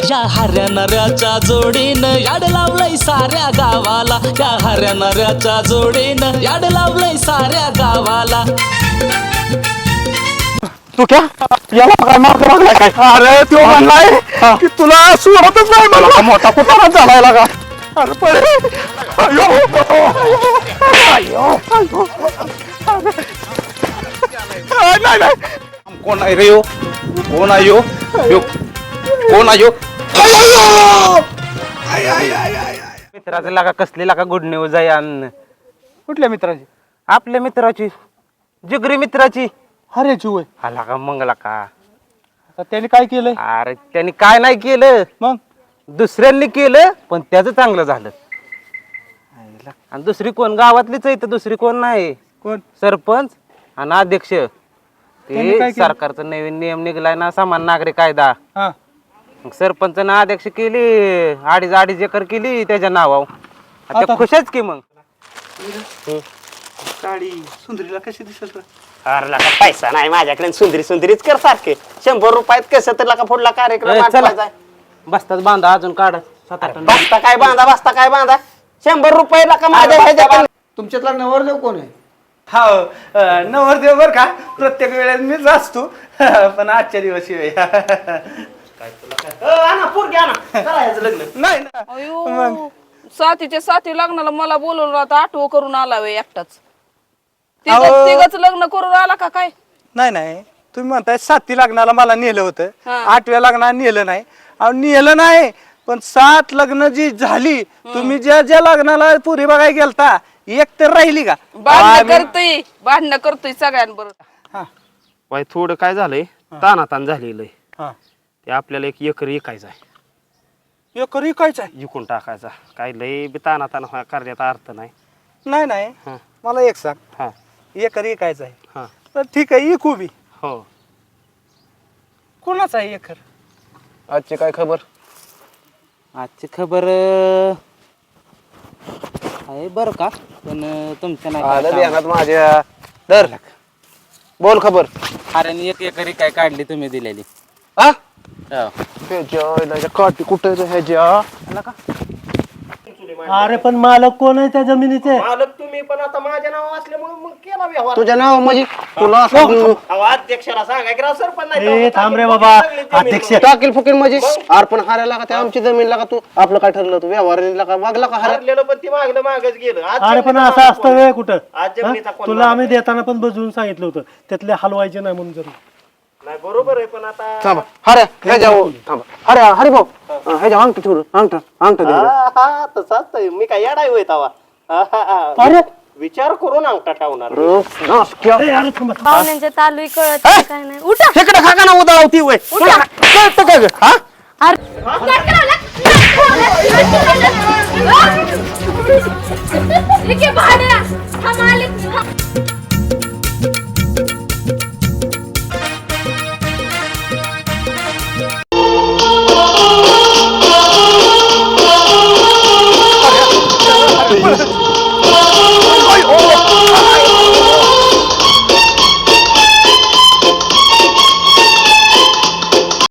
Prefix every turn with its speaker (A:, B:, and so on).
A: या हऱ्या नऱ्याच्या जोडीनं याड लावलंय साऱ्या गावाला, या हऱ्या नऱ्याच्या जोडीनं याड लावलंय साऱ्या गावाला.
B: तू क्या याला काय मार्ग लागलाय काय? अरे तो म्हणलाय की तुला सोडतच नाही मला. मोठा कुठला झालाय लागा. अरे पळे. अयो अयो अयो. नाही नाही कोण आहे रे यो? कोण आहे यो? यो कोण आहे यो?
C: मित्राचं लागा कसली लागा गुड न्यूज आहे अन्न.
B: कुठल्या मित्राची?
C: आपल्या मित्राची, जिगरी मित्राची.
B: अरे जुवे
C: हा लागा मंगला का.
B: आता त्याने काय केलंय?
C: अरे त्यांनी काय नाही केलं,
B: मग
C: दुसऱ्यांनी केलं पण त्याचं चांगलं झालं. आणि दुसरी कोण गावातलीच आहे तर दुसरी कोण नाही.
B: कोण?
C: सरपंच आणि अध्यक्ष.
B: त्यांनी काय
C: ते
B: केलं?
C: सरकारचा नवीन नियम निघलाय ना, समान नागरिक कायदा.
B: हा
C: मग सरपंचानं अध्यक्ष केली, अडीच एकर केली त्याच्या नावावर.
B: आता-
C: खुशच की मग.
B: साडी सुंदरीला कशी दिसत?
D: अरे लका पैसा नाही माझ्याकडे, सुंदरी सुंदरीच कर सारखे. 100 रुपयात कसं तर लका पुढला कार्यक्रम
C: चला
D: आटवायचा आहे.
C: बसतात बांधा अजून काढ 7-8
D: बसता काय बांधा, बसता काय बांधा. 100 रुपये लका माझ्या ह्याच्याकडे.
B: तुमच्यातला नवरदेव कोण आहे? हा नवरदेव बर का, प्रत्येक वेळेस मीच असतो पण आजच्या दिवशी लग्न नाही ना.
E: अयो साथीच्या साथी लग्नाला मला बोलवलं आता आठवं करून आला वे एकटाच. तिघच लग्न करून आला का काय?
B: नाही नाही तुम्ही म्हणताय 7 लग्नाला मला नेलं होतं,
E: हा.
B: 8व्या लग्नाला नेलं नाही. अहो नेलं नाही पण 7 लग्न जी झाली, तुम्ही ज्या ज्या लग्नाला पुरी बघायला गेलता एक तर राहिली का?
E: भांडणं करतोय सगळ्यांबरोबर.
B: हा,
C: वाय थोडं काय झालंय, तानातान झालेलं आहे.
B: हा.
C: ते आपल्याला एक एकर विकायचा आहे,
B: एक विकायचं आहे?
C: विकून टाकायचा. काय लय बी तानातान करण्यात अर्थ नाही.
B: नाही नाही
C: हा.
B: मला एक सांग,
C: हा
B: एक विकायचं आहे
C: हा
B: तर ठीक आहे, इकू बी.
C: हो.
B: कोणाचा आहे एकर?
D: आजची काय खबर?
C: आजची खबर आहे बरं का, पण तुमच्या
D: आलं
C: नाही
D: ध्यानात माझ्या. दर बोल खबर.
C: अरे एक एकरी काय काढली तुम्ही दिलेली.
D: हा
C: हो.
D: ह्याच्या काठी कुठे ह्याच्या?
F: अरे पण मालक कोण आहे त्या जमिनीचे?
D: मालक तुम्ही, पण आता माझ्या नाव असल्यामुळे मग केला व्यवहार. तुझ्या नाव म्हणजे तुला अध्यक्षाला सांगा की सरपंच
F: ए थांब रे बाबा, अध्यक्ष
D: टाकील फुकील म्हणजे अर्पण हारायला का? ते आमची जमीन लागा. तू आपलं काय ठरलं? तू व्यवहार का मागला का? हरलेलं पण ती मागलं मागच गेलं.
F: अरे पण असं असतं वे कुठं? तुला आम्ही देताना पण बजवून सांगितलं होतं त्यातले हलवायचे नाही म्हणून. जरी
D: नाही बरोबर आहे, पण आता थांबा. हरे ह्याच्या थांबा. हरे हरे भाऊ ह्याच्या अंगठ ठेवलं. अंगठ तसाच मी काय येडाय होय तवा.
F: अरे
D: विचार करून अंगठा ठेवणार.
F: अरे थांबा.
G: पाहुण्यांच्या तालुई कळत नाही, काय नाही. उठा
D: इकडे खा ना उदाळवती वय. कळतं का ग? हा
G: भाड्या